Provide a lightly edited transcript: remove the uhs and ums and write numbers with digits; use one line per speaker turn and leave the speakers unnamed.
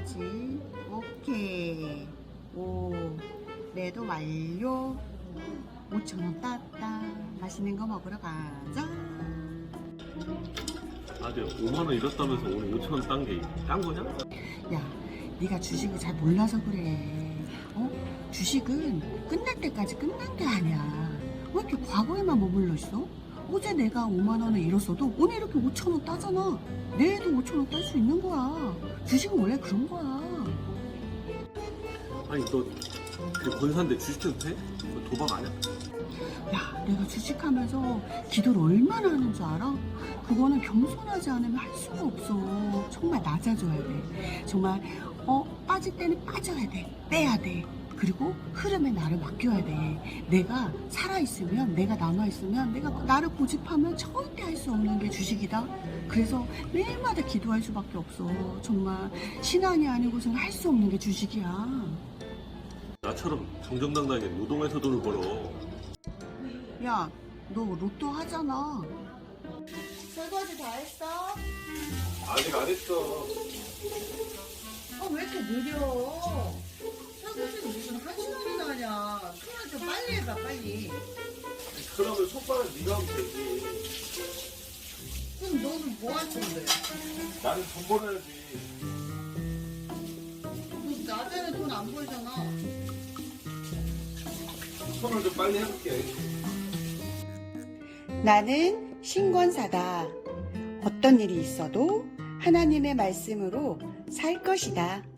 해야지. 오케이. 오, 매도 완료. 5,000원 땄다. 맛있는 거 먹으러 가자.
아들 5만원 잃었다면서 오늘 5천원 딴 게 딴 거냐?
야, 네가 주식을 잘 몰라서 그래. 주식은 끝날 때까지 끝난 게 아니야. 왜 이렇게 과거에만 머물러 있어? 어제 내가 5만 원을 잃었어도 오늘 이렇게 5천 원 따잖아. 내일도 5천 원 딸 수 있는 거야. 주식은 원래 그런 거야.
아니 너 그 권사인데 주식해도 돼? 그거 도박 아니야?
야, 내가 주식하면서 기도를 얼마나 하는 줄 알아? 그거는 겸손하지 않으면 할 수가 없어. 정말 낮아져야 돼. 정말 빠질 때는 빠져야 돼. 빼야 돼. 그리고 흐름에 나를 맡겨야 돼. 내가 살아있으면, 내가 남아있으면, 내가 나를 고집하면 절대 할 수 없는 게 주식이다. 그래서 매일마다 기도할 수밖에 없어. 정말 신앙이 아니고서는 할 수 없는 게 주식이야.
나처럼 정정당당하게 노동해서 돈을 벌어.
야, 너 로또 하잖아. 설거지 다 했어?
아직 안 했어.
왜 이렇게 느려? 설거지는 무슨 한 시간이나 하냐? 손을 좀 빨리 해봐, 빨리.
그러면 손바닥 네가 하면 되지.
그럼 너는 뭐 할 건데?
나는 돈 벌어야지.
너 낮에는 돈 안 벌잖아.
손을 좀 빨리 해볼게.
나는 신권사다. 어떤 일이 있어도 하나님의 말씀으로 살 것이다.